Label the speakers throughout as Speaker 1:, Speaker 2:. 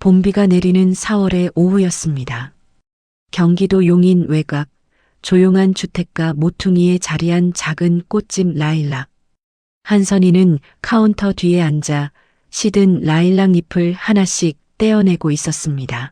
Speaker 1: 봄비가 내리는 4월의 오후였습니다. 경기도 용인 외곽, 조용한 주택가 모퉁이에 자리한 작은 꽃집 라일락. 한선이는 카운터 뒤에 앉아 시든 라일락 잎을 하나씩 떼어내고 있었습니다.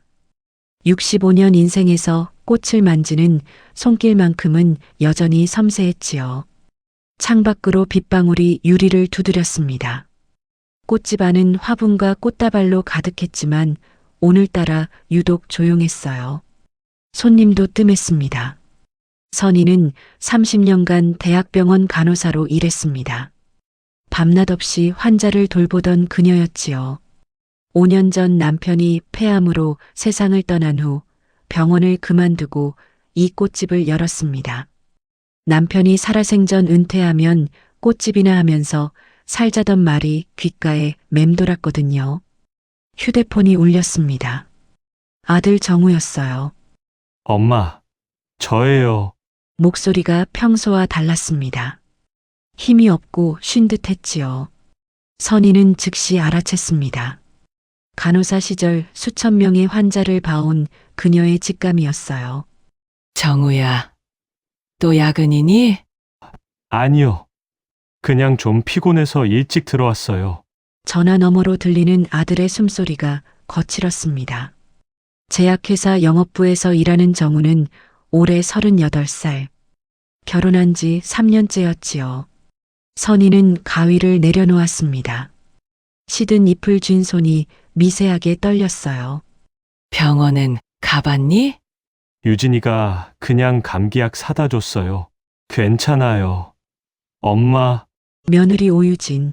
Speaker 1: 65년 인생에서 꽃을 만지는 손길만큼은 여전히 섬세했지요. 창밖으로 빗방울이 유리를 두드렸습니다. 꽃집 안은 화분과 꽃다발로 가득했지만 오늘따라 유독 조용했어요. 손님도 뜸했습니다. 선희는 30년간 대학병원 간호사로 일했습니다. 밤낮 없이 환자를 돌보던 그녀였지요. 5년 전 남편이 폐암으로 세상을 떠난 후 병원을 그만두고 이 꽃집을 열었습니다. 남편이 살아생전 은퇴하면 꽃집이나 하면서 살자던 말이 귓가에 맴돌았거든요. 휴대폰이 울렸습니다. 아들 정우였어요.
Speaker 2: 엄마, 저예요.
Speaker 1: 목소리가 평소와 달랐습니다. 힘이 없고 쉰 듯했지요. 선희는 즉시 알아챘습니다. 간호사 시절 수천 명의 환자를 봐온 그녀의 직감이었어요.
Speaker 3: 정우야, 또 야근이니?
Speaker 2: 아니요. 그냥 좀 피곤해서 일찍 들어왔어요.
Speaker 1: 전화 너머로 들리는 아들의 숨소리가 거칠었습니다. 제약회사 영업부에서 일하는 정우는 올해 38살. 결혼한 지 3년째였지요. 선희는 가위를 내려놓았습니다. 시든 잎을 쥔 손이 미세하게 떨렸어요.
Speaker 3: 병원엔 가봤니?
Speaker 2: 유진이가 그냥 감기약 사다 줬어요. 괜찮아요. 엄마,
Speaker 1: 며느리 오유진.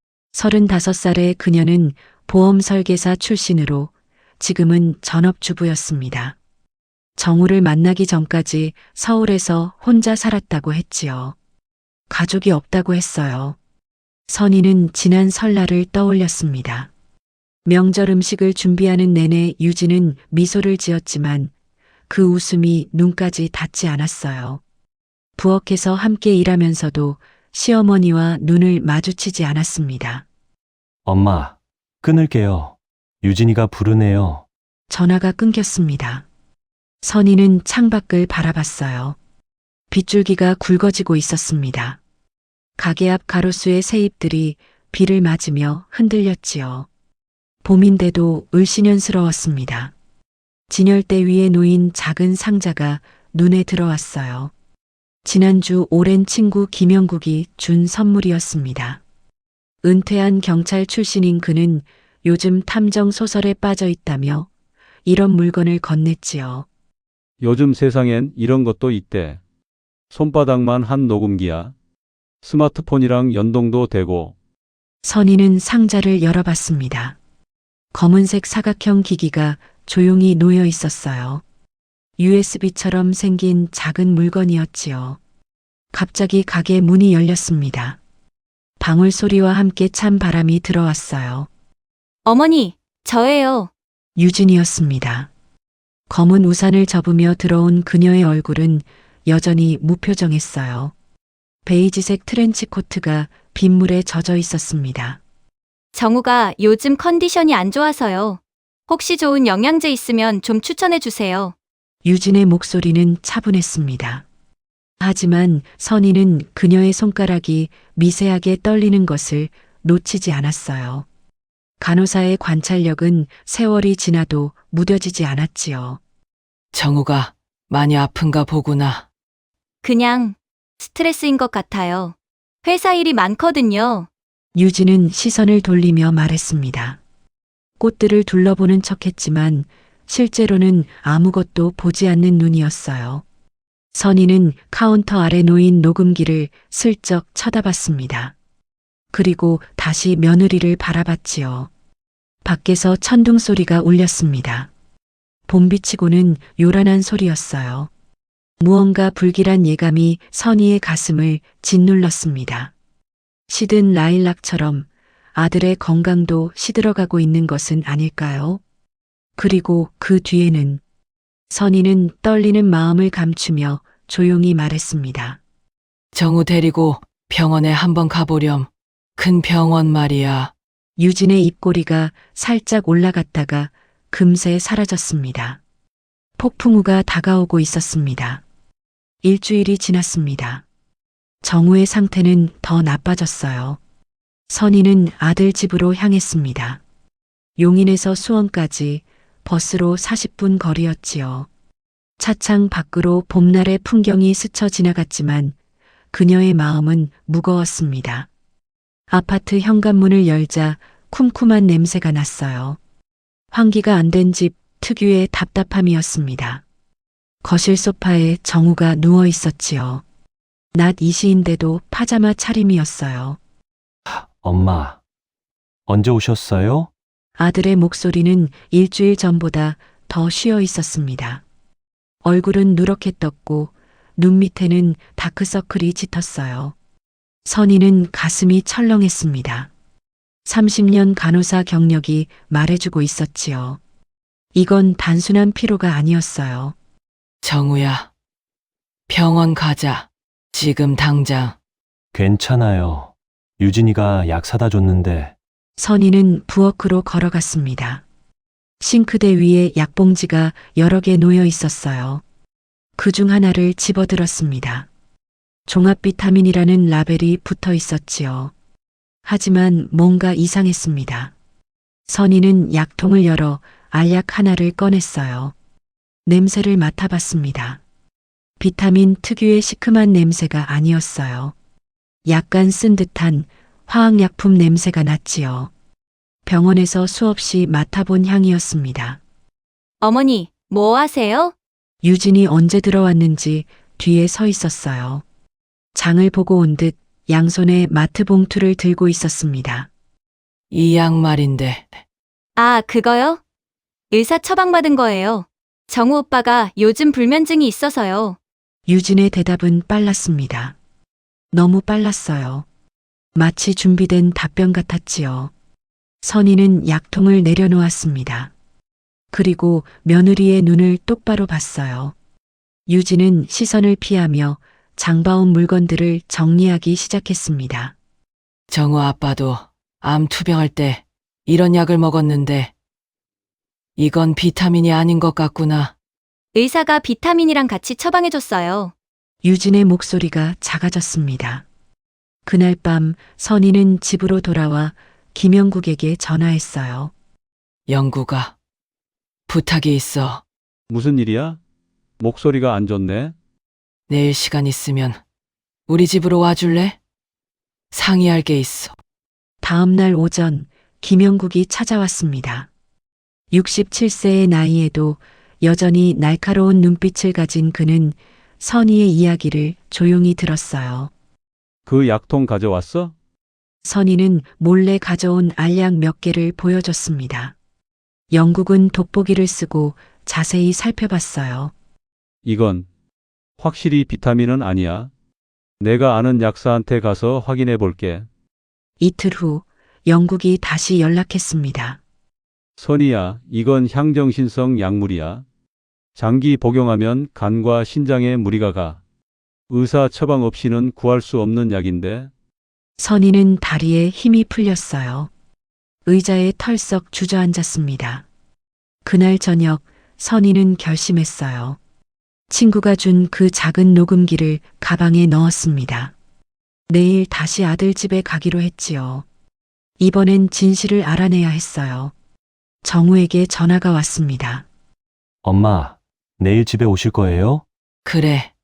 Speaker 1: 35살의 그녀는 보험 설계사 출신으로 지금은 전업주부였습니다. 정우를 만나기 전까지 서울에서 혼자 살았다고 했지요. 가족이 없다고 했어요. 선희는 지난 설날을 떠올렸습니다. 명절 음식을 준비하는 내내 유진은 미소를 지었지만 그 웃음이 눈까지 닿지 않았어요. 부엌에서 함께 일하면서도 시어머니와 눈을 마주치지 않았습니다.
Speaker 2: 엄마, 끊을게요. 유진이가 부르네요.
Speaker 1: 전화가 끊겼습니다. 선희는 창밖을 바라봤어요. 빗줄기가 굵어지고 있었습니다. 가게 앞 가로수의 새잎들이 비를 맞으며 흔들렸지요. 봄인데도 을씨년스러웠습니다. 진열대 위에 놓인 작은 상자가 눈에 들어왔어요. 지난주 오랜 친구 김영국이 준 선물이었습니다. 은퇴한 경찰 출신인 그는 요즘 탐정 소설에 빠져 있다며 이런 물건을 건넸지요.
Speaker 4: 요즘 세상엔 이런 것도 있대. 손바닥만 한 녹음기야. 스마트폰이랑 연동도 되고.
Speaker 1: 선희는 상자를 열어봤습니다. 검은색 사각형 기기가 조용히 놓여 있었어요. USB처럼 생긴 작은 물건이었지요. 갑자기 가게 문이 열렸습니다. 방울 소리와 함께 찬 바람이 들어왔어요.
Speaker 5: 어머니, 저예요.
Speaker 1: 유진이었습니다. 검은 우산을 접으며 들어온 그녀의 얼굴은 여전히 무표정했어요. 베이지색 트렌치 코트가 빗물에 젖어 있었습니다.
Speaker 5: 정우가 요즘 컨디션이 안 좋아서요. 혹시 좋은 영양제 있으면 좀 추천해 주세요.
Speaker 1: 유진의 목소리는 차분했습니다. 하지만 선희는 그녀의 손가락이 미세하게 떨리는 것을 놓치지 않았어요. 간호사의 관찰력은 세월이 지나도 무뎌지지 않았지요.
Speaker 3: 정우가 많이 아픈가 보구나.
Speaker 5: 그냥 스트레스인 것 같아요. 회사 일이 많거든요.
Speaker 1: 유진은 시선을 돌리며 말했습니다. 꽃들을 둘러보는 척했지만 실제로는 아무것도 보지 않는 눈이었어요. 선희는 카운터 아래 놓인 녹음기를 슬쩍 쳐다봤습니다. 그리고 다시 며느리를 바라봤지요. 밖에서 천둥 소리가 울렸습니다. 봄비치고는 요란한 소리였어요. 무언가 불길한 예감이 선희의 가슴을 짓눌렀습니다. 시든 라일락처럼 아들의 건강도 시들어가고 있는 것은 아닐까요? 그리고 그 뒤에는 선희는 떨리는 마음을 감추며 조용히 말했습니다.
Speaker 3: 정우 데리고 병원에 한번 가보렴. 큰 병원 말이야.
Speaker 1: 유진의 입꼬리가 살짝 올라갔다가 금세 사라졌습니다. 폭풍우가 다가오고 있었습니다. 일주일이 지났습니다. 정우의 상태는 더 나빠졌어요. 선희는 아들 집으로 향했습니다. 용인에서 수원까지 버스로 40분 거리였지요. 차창 밖으로 봄날의 풍경이 스쳐 지나갔지만 그녀의 마음은 무거웠습니다. 아파트 현관문을 열자 쿰쿰한 냄새가 났어요. 환기가 안 된 집 특유의 답답함이었습니다. 거실 소파에 정우가 누워 있었지요. 낮 2시인데도 파자마 차림이었어요.
Speaker 2: 엄마, 언제 오셨어요?
Speaker 1: 아들의 목소리는 일주일 전보다 더 쉬어 있었습니다. 얼굴은 누렇게 떴고 눈 밑에는 다크서클이 짙었어요. 선희는 가슴이 철렁했습니다. 30년 간호사 경력이 말해주고 있었지요. 이건 단순한 피로가 아니었어요.
Speaker 3: 정우야, 병원 가자. 지금 당장.
Speaker 2: 괜찮아요. 유진이가 약 사다 줬는데.
Speaker 1: 선희는 부엌으로 걸어갔습니다. 싱크대 위에 약봉지가 여러 개 놓여 있었어요. 그중 하나를 집어들었습니다. 종합 비타민이라는 라벨이 붙어 있었지요. 하지만 뭔가 이상했습니다. 선희는 약통을 열어 알약 하나를 꺼냈어요. 냄새를 맡아봤습니다. 비타민 특유의 시큼한 냄새가 아니었어요. 약간 쓴 듯한 화학약품 냄새가 났지요. 병원에서 수없이 맡아본 향이었습니다.
Speaker 5: 어머니, 뭐 하세요?
Speaker 1: 유진이 언제 들어왔는지 뒤에 서 있었어요. 장을 보고 온 듯 양손에 마트 봉투를 들고 있었습니다.
Speaker 3: 이 약 말인데.
Speaker 5: 아, 그거요? 의사 처방받은 거예요. 정우 오빠가 요즘 불면증이 있어서요.
Speaker 1: 유진의 대답은 빨랐습니다. 너무 빨랐어요. 마치 준비된 답변 같았지요. 선희는 약통을 내려놓았습니다. 그리고 며느리의 눈을 똑바로 봤어요. 유진은 시선을 피하며 장바온 물건들을 정리하기 시작했습니다.
Speaker 3: 정우 아빠도 암 투병할 때 이런 약을 먹었는데 이건 비타민이 아닌 것 같구나.
Speaker 5: 의사가 비타민이랑 같이 처방해줬어요.
Speaker 1: 유진의 목소리가 작아졌습니다. 그날 밤 선희는 집으로 돌아와 김영국에게 전화했어요.
Speaker 3: 영구가 부탁이 있어.
Speaker 4: 무슨 일이야? 목소리가 안 좋네.
Speaker 3: 내일 시간 있으면 우리 집으로 와줄래? 상의할 게 있어.
Speaker 1: 다음 날 오전 김영국이 찾아왔습니다. 67세의 나이에도 여전히 날카로운 눈빛을 가진 그는 선희의 이야기를 조용히 들었어요.
Speaker 4: 그 약통 가져왔어?
Speaker 1: 선희는 몰래 가져온 알약 몇 개를 보여줬습니다. 영국은 돋보기를 쓰고 자세히 살펴봤어요.
Speaker 4: 이건 확실히 비타민은 아니야. 내가 아는 약사한테 가서 확인해 볼게.
Speaker 1: 이틀 후 영국이 다시 연락했습니다.
Speaker 4: 선희야, 이건 향정신성 약물이야. 장기 복용하면 간과 신장에 무리가 가. 의사 처방 없이는 구할 수 없는 약인데.
Speaker 1: 선희는 다리에 힘이 풀렸어요. 의자에 털썩 주저앉았습니다. 그날 저녁 선희는 결심했어요. 친구가 준 그 작은 녹음기를 가방에 넣었습니다. 내일 다시 아들 집에 가기로 했지요. 이번엔 진실을 알아내야 했어요. 정우에게 전화가 왔습니다.
Speaker 2: 엄마, 내일 집에 오실 거예요?
Speaker 3: 그래.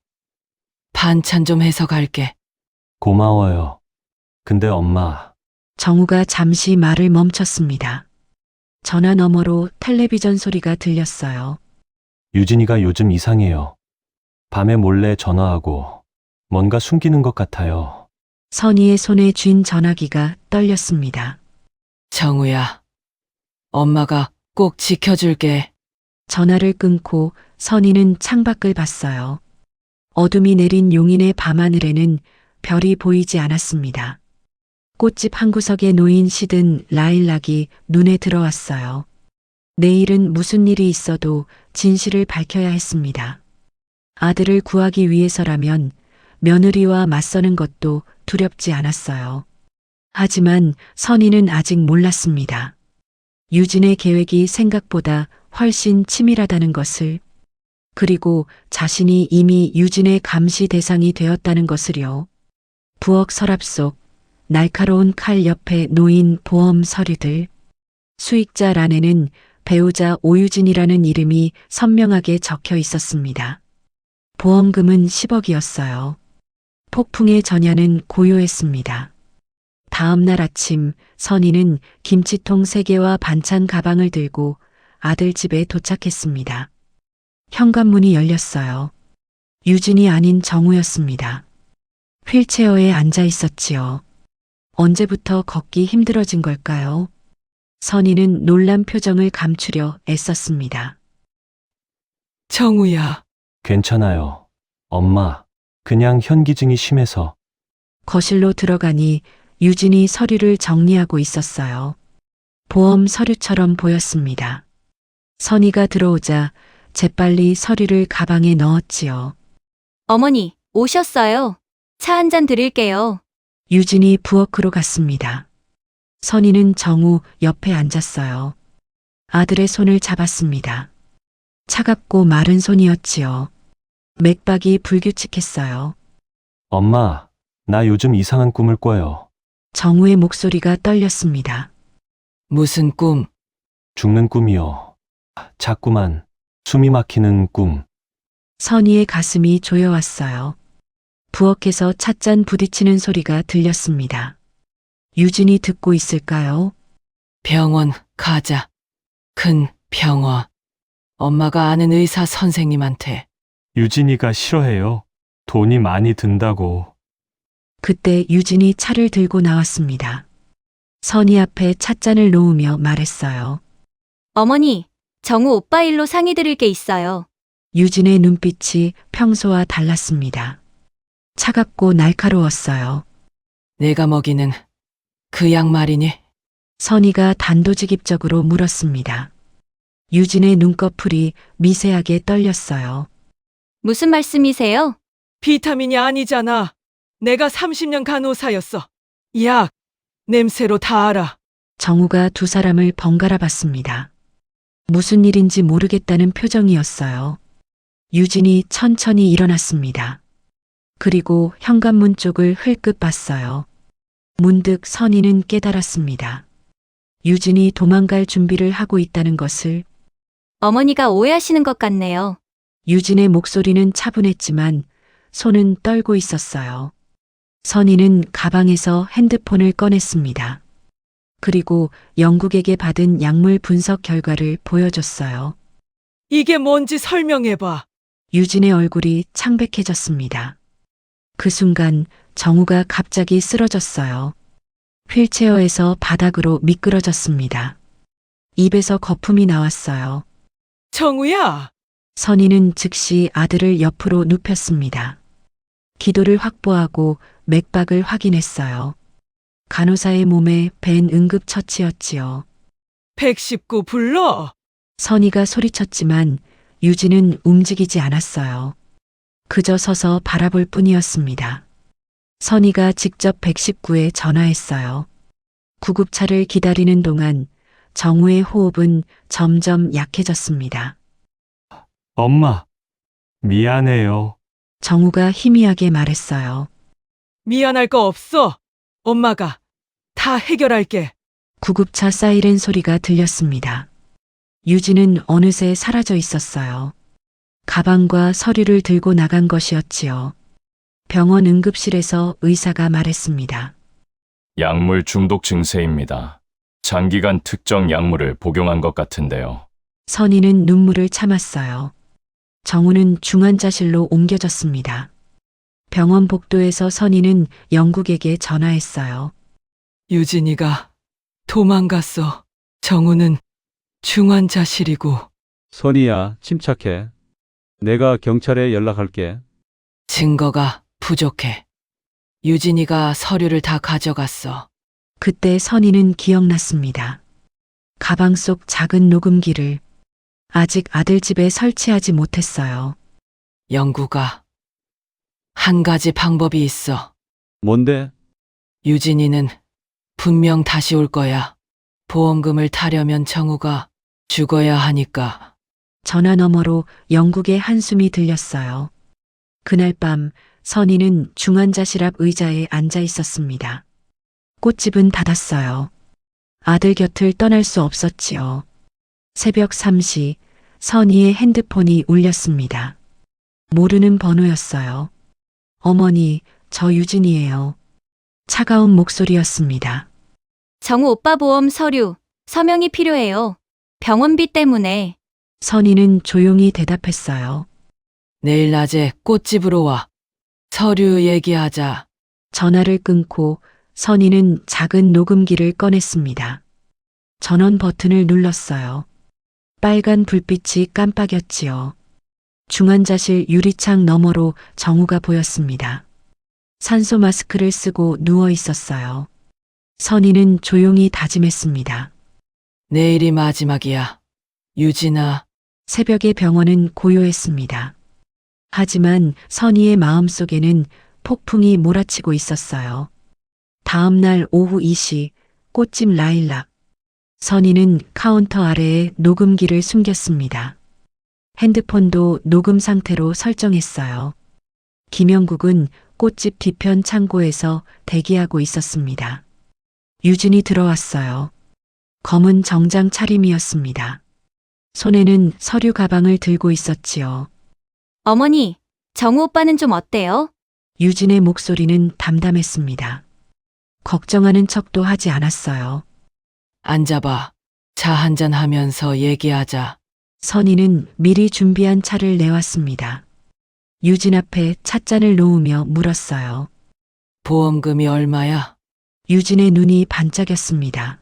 Speaker 3: 반찬 좀 해서 갈게.
Speaker 2: 고마워요. 근데 엄마,
Speaker 1: 정우가 잠시 말을 멈췄습니다. 전화 너머로 텔레비전 소리가 들렸어요.
Speaker 2: 유진이가 요즘 이상해요. 밤에 몰래 전화하고 뭔가 숨기는 것 같아요.
Speaker 1: 선희의 손에 쥔 전화기가 떨렸습니다.
Speaker 3: 정우야. 엄마가 꼭 지켜줄게.
Speaker 1: 전화를 끊고 선희는 창밖을 봤어요. 어둠이 내린 용인의 밤하늘에는 별이 보이지 않았습니다. 꽃집 한 구석에 놓인 시든 라일락이 눈에 들어왔어요. 내일은 무슨 일이 있어도 진실을 밝혀야 했습니다. 아들을 구하기 위해서라면 며느리와 맞서는 것도 두렵지 않았어요. 하지만 선희는 아직 몰랐습니다. 유진의 계획이 생각보다 훨씬 치밀하다는 것을, 그리고 자신이 이미 유진의 감시 대상이 되었다는 것을요. 부엌 서랍 속 날카로운 칼 옆에 놓인 보험 서류들. 수익자란에는 배우자 오유진이라는 이름이 선명하게 적혀 있었습니다. 보험금은 10억이었어요. 폭풍의 전야는 고요했습니다. 다음 날 아침 선희는 김치통 3개와 반찬 가방을 들고 아들 집에 도착했습니다. 현관문이 열렸어요. 유진이 아닌 정우였습니다. 휠체어에 앉아 있었지요. 언제부터 걷기 힘들어진 걸까요? 선희는 놀란 표정을 감추려 애썼습니다.
Speaker 3: 정우야.
Speaker 2: 괜찮아요. 엄마, 그냥 현기증이 심해서.
Speaker 1: 거실로 들어가니 유진이 서류를 정리하고 있었어요. 보험 서류처럼 보였습니다. 선희가 들어오자 재빨리 서류를 가방에 넣었지요.
Speaker 5: 어머니, 오셨어요. 차 한 잔 드릴게요.
Speaker 1: 유진이 부엌으로 갔습니다. 선희는 정우 옆에 앉았어요. 아들의 손을 잡았습니다. 차갑고 마른 손이었지요. 맥박이 불규칙했어요.
Speaker 2: 엄마, 나 요즘 이상한 꿈을 꿔요.
Speaker 1: 정우의 목소리가 떨렸습니다.
Speaker 3: 무슨 꿈?
Speaker 2: 죽는 꿈이요. 자꾸만 숨이 막히는 꿈.
Speaker 1: 선희의 가슴이 조여왔어요. 부엌에서 찻잔 부딪히는 소리가 들렸습니다. 유진이 듣고 있을까요?
Speaker 3: 병원 가자. 큰 병원. 엄마가 아는 의사 선생님한테.
Speaker 2: 유진이가 싫어해요. 돈이 많이 든다고.
Speaker 1: 그때 유진이 차를 들고 나왔습니다. 선희 앞에 찻잔을 놓으며 말했어요.
Speaker 5: 어머니, 정우 오빠 일로 상의 드릴 게 있어요.
Speaker 1: 유진의 눈빛이 평소와 달랐습니다. 차갑고 날카로웠어요.
Speaker 3: 내가 먹이는 그 약 말이니?
Speaker 1: 선희가 단도직입적으로 물었습니다. 유진의 눈꺼풀이 미세하게 떨렸어요.
Speaker 5: 무슨 말씀이세요?
Speaker 3: 비타민이 아니잖아. 내가 30년 간호사였어. 약, 냄새로 다 알아.
Speaker 1: 정우가 두 사람을 번갈아 봤습니다. 무슨 일인지 모르겠다는 표정이었어요. 유진이 천천히 일어났습니다. 그리고 현관문 쪽을 흘끗 봤어요. 문득 선희는 깨달았습니다. 유진이 도망갈 준비를 하고 있다는 것을.
Speaker 5: 어머니가 오해하시는 것 같네요.
Speaker 1: 유진의 목소리는 차분했지만 손은 떨고 있었어요. 선희는 가방에서 핸드폰을 꺼냈습니다. 그리고 영국에게 받은 약물 분석 결과를 보여줬어요.
Speaker 3: 이게 뭔지 설명해봐.
Speaker 1: 유진의 얼굴이 창백해졌습니다. 그 순간 정우가 갑자기 쓰러졌어요. 휠체어에서 바닥으로 미끄러졌습니다. 입에서 거품이 나왔어요.
Speaker 3: 정우야.
Speaker 1: 선희는 즉시 아들을 옆으로 눕혔습니다. 기도를 확보하고 맥박을 확인했어요. 간호사의 몸에 밴 응급처치였지요.
Speaker 3: 119 불러.
Speaker 1: 선희가 소리쳤지만 유진은 움직이지 않았어요. 그저 서서 바라볼 뿐이었습니다. 선희가 직접 119에 전화했어요. 구급차를 기다리는 동안 정우의 호흡은 점점 약해졌습니다.
Speaker 2: 엄마, 미안해요.
Speaker 1: 정우가 희미하게 말했어요.
Speaker 3: 미안할 거 없어. 엄마가 다 해결할게.
Speaker 1: 구급차 사이렌 소리가 들렸습니다. 유진은 어느새 사라져 있었어요. 가방과 서류를 들고 나간 것이었지요. 병원 응급실에서 의사가 말했습니다.
Speaker 6: 약물 중독 증세입니다. 장기간 특정 약물을 복용한 것 같은데요.
Speaker 1: 선희는 눈물을 참았어요. 정우는 중환자실로 옮겨졌습니다. 병원 복도에서 선희는 영국에게 전화했어요.
Speaker 3: 유진이가 도망갔어. 정우는 중환자실이고.
Speaker 4: 선희야, 침착해. 내가 경찰에 연락할게.
Speaker 3: 증거가 부족해. 유진이가 서류를 다 가져갔어.
Speaker 1: 그때 선희는 기억났습니다. 가방 속 작은 녹음기를 아직 아들 집에 설치하지 못했어요.
Speaker 3: 영구가 한 가지 방법이 있어.
Speaker 4: 뭔데?
Speaker 3: 유진이는 분명 다시 올 거야. 보험금을 타려면 정우가 죽어야 하니까.
Speaker 1: 전화 너머로 영국의 한숨이 들렸어요. 그날 밤 선희는 중환자실 앞 의자에 앉아 있었습니다. 꽃집은 닫았어요. 아들 곁을 떠날 수 없었지요. 새벽 3시 선희의 핸드폰이 울렸습니다. 모르는 번호였어요. 어머니, 저 유진이에요. 차가운 목소리였습니다.
Speaker 5: 정우 오빠 보험 서류, 서명이 필요해요. 병원비 때문에.
Speaker 1: 선희는 조용히 대답했어요.
Speaker 3: 내일 낮에 꽃집으로 와. 서류 얘기하자.
Speaker 1: 전화를 끊고 선희는 작은 녹음기를 꺼냈습니다. 전원 버튼을 눌렀어요. 빨간 불빛이 깜빡였지요. 중환자실 유리창 너머로 정우가 보였습니다. 산소 마스크를 쓰고 누워 있었어요. 선희는 조용히 다짐했습니다.
Speaker 3: 내일이 마지막이야. 유진아,
Speaker 1: 새벽의 병원은 고요했습니다. 하지만 선희의 마음속에는 폭풍이 몰아치고 있었어요. 다음 날 오후 2시 꽃집 라일락. 선희는 카운터 아래에 녹음기를 숨겼습니다. 핸드폰도 녹음 상태로 설정했어요. 김영국은 꽃집 뒤편 창고에서 대기하고 있었습니다. 유진이 들어왔어요. 검은 정장 차림이었습니다. 손에는 서류 가방을 들고 있었지요.
Speaker 5: 어머니, 정우 오빠는 좀 어때요?
Speaker 1: 유진의 목소리는 담담했습니다. 걱정하는 척도 하지 않았어요.
Speaker 3: 앉아봐. 차 한잔 하면서 얘기하자.
Speaker 1: 선희는 미리 준비한 차를 내왔습니다. 유진 앞에 찻잔을 놓으며 물었어요.
Speaker 3: 보험금이 얼마야?
Speaker 1: 유진의 눈이 반짝였습니다.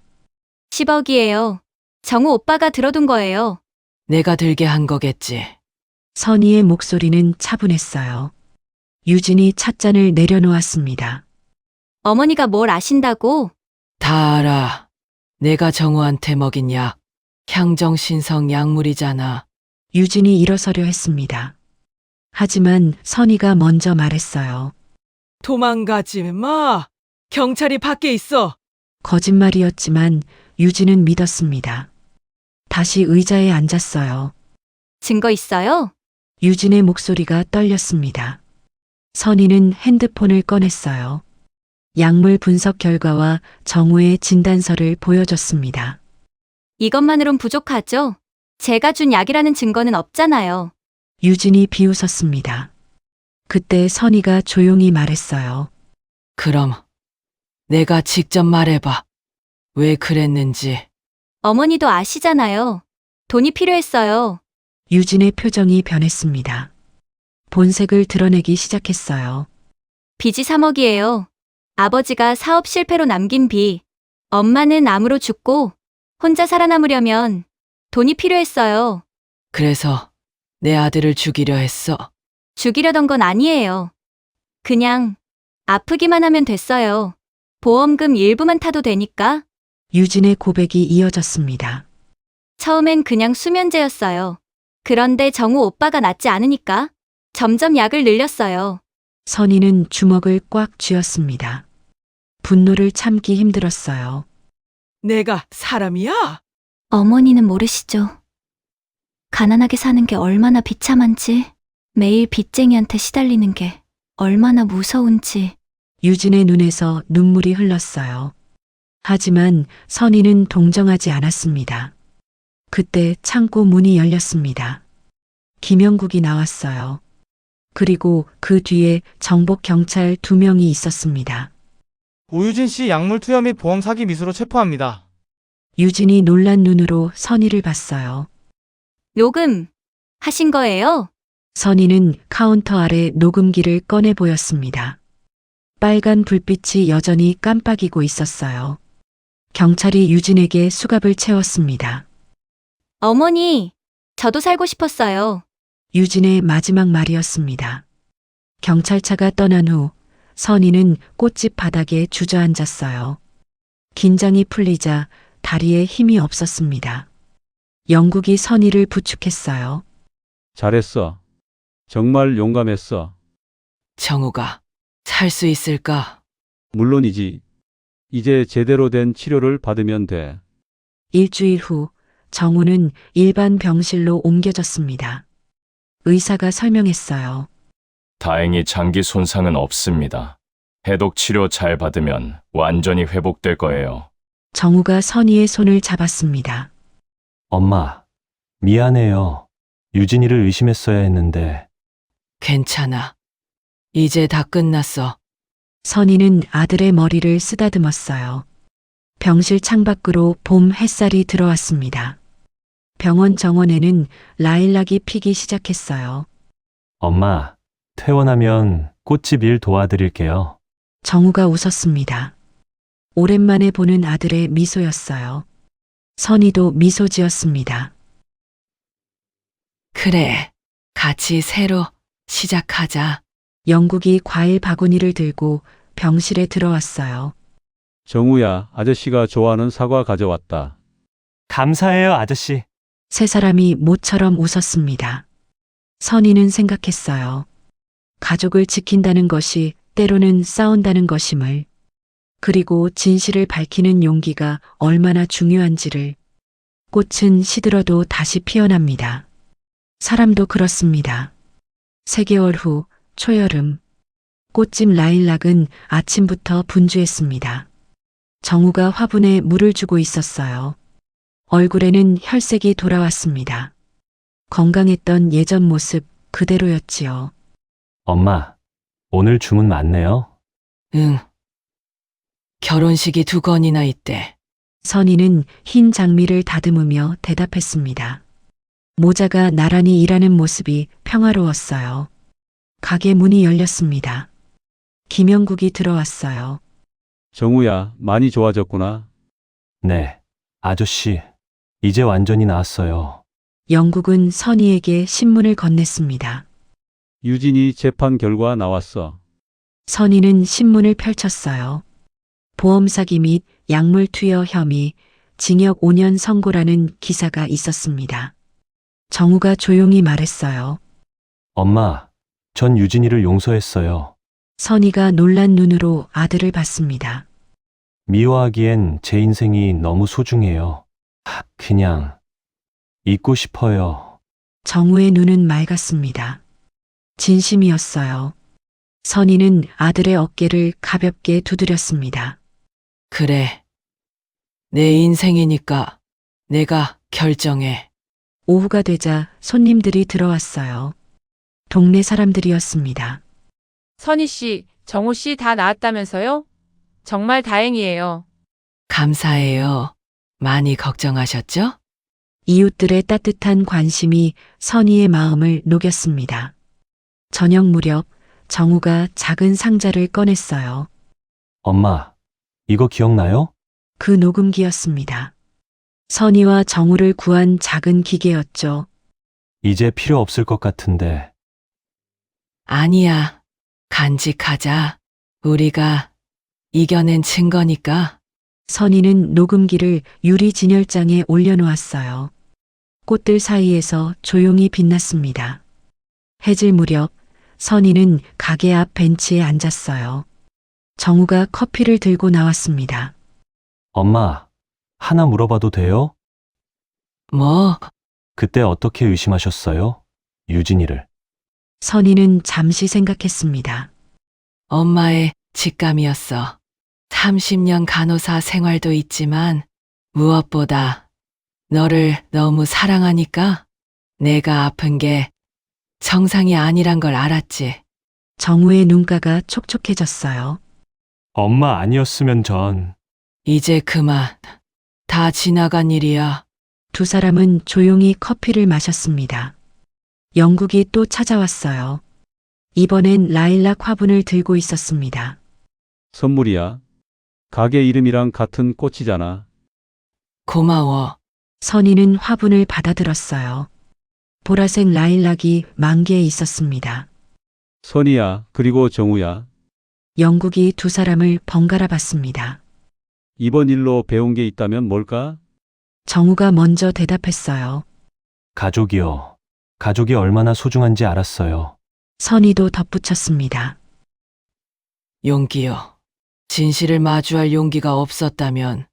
Speaker 5: 10억이에요. 정우 오빠가 들어둔 거예요.
Speaker 3: 내가 들게 한 거겠지.
Speaker 1: 선희의 목소리는 차분했어요. 유진이 찻잔을 내려놓았습니다.
Speaker 5: 어머니가 뭘 아신다고?
Speaker 3: 다 알아. 내가 정우한테 먹인 약. 향정신성 약물이잖아.
Speaker 1: 유진이 일어서려 했습니다. 하지만 선희가 먼저 말했어요.
Speaker 3: 도망가지 마. 경찰이 밖에 있어.
Speaker 1: 거짓말이었지만 유진은 믿었습니다. 다시 의자에 앉았어요.
Speaker 5: 증거 있어요?
Speaker 1: 유진의 목소리가 떨렸습니다. 선희는 핸드폰을 꺼냈어요. 약물 분석 결과와 정우의 진단서를 보여줬습니다.
Speaker 5: 이것만으론 부족하죠? 제가 준 약이라는 증거는 없잖아요.
Speaker 1: 유진이 비웃었습니다. 그때 선희가 조용히 말했어요.
Speaker 3: 그럼 내가 직접 말해봐. 왜 그랬는지.
Speaker 5: 어머니도 아시잖아요. 돈이 필요했어요.
Speaker 1: 유진의 표정이 변했습니다. 본색을 드러내기 시작했어요.
Speaker 5: 빚이 3억이에요. 아버지가 사업 실패로 남긴 빚. 엄마는 암으로 죽고 혼자 살아남으려면 돈이 필요했어요.
Speaker 3: 그래서 내 아들을 죽이려 했어.
Speaker 5: 죽이려던 건 아니에요. 그냥 아프기만 하면 됐어요. 보험금 일부만 타도 되니까.
Speaker 1: 유진의 고백이 이어졌습니다.
Speaker 5: 처음엔 그냥 수면제였어요. 그런데 정우 오빠가 낫지 않으니까 점점 약을 늘렸어요.
Speaker 1: 선희는 주먹을 꽉 쥐었습니다. 분노를 참기 힘들었어요.
Speaker 3: 내가 사람이야?
Speaker 5: 어머니는 모르시죠? 가난하게 사는 게 얼마나 비참한지, 매일 빚쟁이한테 시달리는 게 얼마나 무서운지.
Speaker 1: 유진의 눈에서 눈물이 흘렀어요. 하지만 선희는 동정하지 않았습니다. 그때 창고 문이 열렸습니다. 김영국이 나왔어요. 그리고 그 뒤에 정복 경찰 2명이 있었습니다.
Speaker 7: 오유진 씨 약물 투여 및 보험 사기 미수로 체포합니다.
Speaker 1: 유진이 놀란 눈으로 선희를 봤어요.
Speaker 5: 녹음 하신 거예요?
Speaker 1: 선희는 카운터 아래 녹음기를 꺼내 보였습니다. 빨간 불빛이 여전히 깜빡이고 있었어요. 경찰이 유진에게 수갑을 채웠습니다.
Speaker 5: 어머니, 저도 살고 싶었어요.
Speaker 1: 유진의 마지막 말이었습니다. 경찰차가 떠난 후 선희는 꽃집 바닥에 주저앉았어요. 긴장이 풀리자 다리에 힘이 없었습니다. 영국이 선희를 부축했어요.
Speaker 4: 잘했어. 정말 용감했어.
Speaker 3: 정우가 살 수 있을까?
Speaker 4: 물론이지. 이제 제대로 된 치료를 받으면 돼.
Speaker 1: 일주일 후 정우는 일반 병실로 옮겨졌습니다. 의사가 설명했어요.
Speaker 6: 다행히 장기 손상은 없습니다. 해독 치료 잘 받으면 완전히 회복될 거예요.
Speaker 1: 정우가 선희의 손을 잡았습니다.
Speaker 2: 엄마, 미안해요. 유진이를 의심했어야 했는데.
Speaker 3: 괜찮아. 이제 다 끝났어.
Speaker 1: 선희는 아들의 머리를 쓰다듬었어요. 병실 창밖으로 봄 햇살이 들어왔습니다. 병원 정원에는 라일락이 피기 시작했어요.
Speaker 2: 엄마, 퇴원하면 꽃집 일 도와드릴게요.
Speaker 1: 정우가 웃었습니다. 오랜만에 보는 아들의 미소였어요. 선희도 미소 지었습니다.
Speaker 3: 그래. 같이 새로 시작하자.
Speaker 1: 영국이 과일 바구니를 들고 병실에 들어왔어요.
Speaker 4: 정우야, 아저씨가 좋아하는 사과 가져왔다.
Speaker 2: 감사해요, 아저씨.
Speaker 1: 세 사람이 모처럼 웃었습니다. 선희는 생각했어요. 가족을 지킨다는 것이 때로는 싸운다는 것임을, 그리고 진실을 밝히는 용기가 얼마나 중요한지를. 꽃은 시들어도 다시 피어납니다. 사람도 그렇습니다. 3개월 후 초여름, 꽃집 라일락은 아침부터 분주했습니다. 정우가 화분에 물을 주고 있었어요. 얼굴에는 혈색이 돌아왔습니다. 건강했던 예전 모습 그대로였지요.
Speaker 2: 엄마, 오늘 주문 많네요.
Speaker 3: 응. 결혼식이 2건이나 있대.
Speaker 1: 선희는 흰 장미를 다듬으며 대답했습니다. 모자가 나란히 일하는 모습이 평화로웠어요. 가게 문이 열렸습니다. 김영국이 들어왔어요.
Speaker 4: 정우야, 많이 좋아졌구나.
Speaker 2: 네, 아저씨. 이제 완전히 나았어요.
Speaker 1: 영국은 선희에게 신문을 건넸습니다.
Speaker 4: 유진이 재판 결과 나왔어.
Speaker 1: 선희는 신문을 펼쳤어요. 보험 사기 및 약물 투여 혐의, 징역 5년 선고라는 기사가 있었습니다. 정우가 조용히 말했어요.
Speaker 2: 엄마, 전 유진이를 용서했어요.
Speaker 1: 선희가 놀란 눈으로 아들을 봤습니다.
Speaker 2: 미워하기엔 제 인생이 너무 소중해요. 그냥 잊고 싶어요.
Speaker 1: 정우의 눈은 맑았습니다. 진심이었어요. 선희는 아들의 어깨를 가볍게 두드렸습니다.
Speaker 3: 그래. 내 인생이니까 내가 결정해.
Speaker 1: 오후가 되자 손님들이 들어왔어요. 동네 사람들이었습니다.
Speaker 8: 선희 씨, 정우 씨 다 나았다면서요? 정말 다행이에요.
Speaker 3: 감사해요. 많이 걱정하셨죠?
Speaker 1: 이웃들의 따뜻한 관심이 선희의 마음을 녹였습니다. 저녁 무렵 정우가 작은 상자를 꺼냈어요.
Speaker 2: 엄마, 이거 기억나요?
Speaker 1: 그 녹음기였습니다. 선희와 정우를 구한 작은 기계였죠.
Speaker 2: 이제 필요 없을 것 같은데.
Speaker 3: 아니야. 간직하자. 우리가 이겨낸 증거니까.
Speaker 1: 선희는 녹음기를 유리 진열장에 올려놓았어요. 꽃들 사이에서 조용히 빛났습니다. 해질 무렵 선희는 가게 앞 벤치에 앉았어요. 정우가 커피를 들고 나왔습니다.
Speaker 2: 엄마, 하나 물어봐도 돼요?
Speaker 3: 뭐,
Speaker 2: 그때 어떻게 의심하셨어요? 유진이를.
Speaker 1: 선희는 잠시 생각했습니다.
Speaker 3: 엄마의 직감이었어. 30년 간호사 생활도 있지만 무엇보다 너를 너무 사랑하니까 내가 아픈 게 정상이 아니란 걸 알았지.
Speaker 1: 정우의 눈가가 촉촉해졌어요.
Speaker 2: 엄마 아니었으면 전.
Speaker 3: 이제 그만. 다 지나간 일이야.
Speaker 1: 두 사람은 조용히 커피를 마셨습니다. 영국이 또 찾아왔어요. 이번엔 라일락 화분을 들고 있었습니다.
Speaker 4: 선물이야. 가게 이름이랑 같은 꽃이잖아.
Speaker 3: 고마워.
Speaker 1: 선희는 화분을 받아들었어요. 보라색 라일락이 만개에 있었습니다.
Speaker 4: 선이야, 그리고 정우야.
Speaker 1: 영국이 두 사람을 번갈아 봤습니다.
Speaker 4: 이번 일로 배운 게 있다면 뭘까?
Speaker 1: 정우가 먼저 대답했어요.
Speaker 2: 가족이요. 가족이 얼마나 소중한지 알았어요.
Speaker 1: 선희도 덧붙였습니다.
Speaker 3: 용기요. 진실을 마주할 용기가 없었다면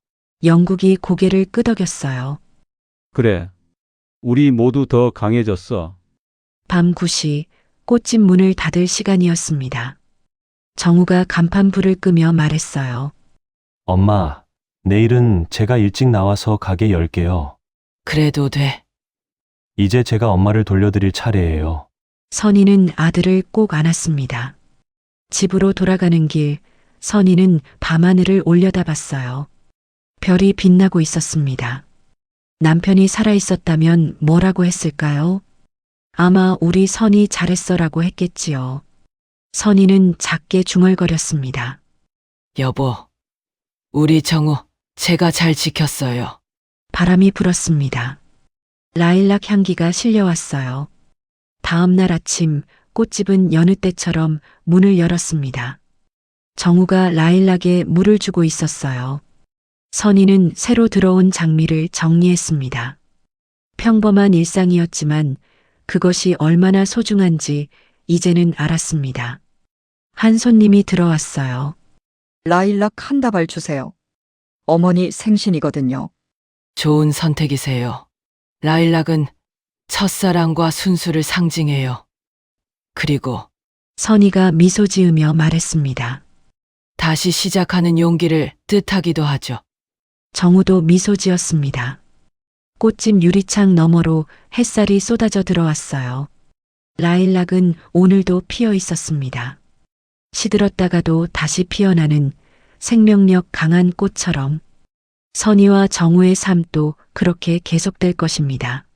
Speaker 1: 영국이 고개를 끄덕였어요.
Speaker 4: 그래. 우리 모두 더 강해졌어.
Speaker 1: 밤 9시 꽃집 문을 닫을 시간이었습니다. 정우가 간판 불을 끄며 말했어요.
Speaker 2: 엄마, 내일은 제가 일찍 나와서 가게 열게요.
Speaker 3: 그래도 돼.
Speaker 2: 이제 제가 엄마를 돌려드릴 차례예요.
Speaker 1: 선희는 아들을 꼭 안았습니다. 집으로 돌아가는 길, 선희는 밤하늘을 올려다봤어요. 별이 빛나고 있었습니다. 남편이 살아있었다면 뭐라고 했을까요? 아마 우리 선희 잘했어라고 했겠지요. 선희는 작게 중얼거렸습니다.
Speaker 3: 여보, 우리 정우 제가 잘 지켰어요.
Speaker 1: 바람이 불었습니다. 라일락 향기가 실려왔어요. 다음 날 아침 꽃집은 여느 때처럼 문을 열었습니다. 정우가 라일락에 물을 주고 있었어요. 선희는 새로 들어온 장미를 정리했습니다. 평범한 일상이었지만 그것이 얼마나 소중한지 이제는 알았습니다. 한 손님이 들어왔어요.
Speaker 9: 라일락 한 다발 주세요. 어머니 생신이거든요.
Speaker 3: 좋은 선택이세요. 라일락은 첫사랑과 순수를 상징해요. 그리고
Speaker 1: 선희가 미소 지으며 말했습니다.
Speaker 3: 다시 시작하는 용기를 뜻하기도 하죠.
Speaker 1: 정우도 미소 지었습니다. 꽃집 유리창 너머로 햇살이 쏟아져 들어왔어요. 라일락은 오늘도 피어 있었습니다. 시들었다가도 다시 피어나는 생명력 강한 꽃처럼 선희와 정우의 삶도 그렇게 계속될 것입니다.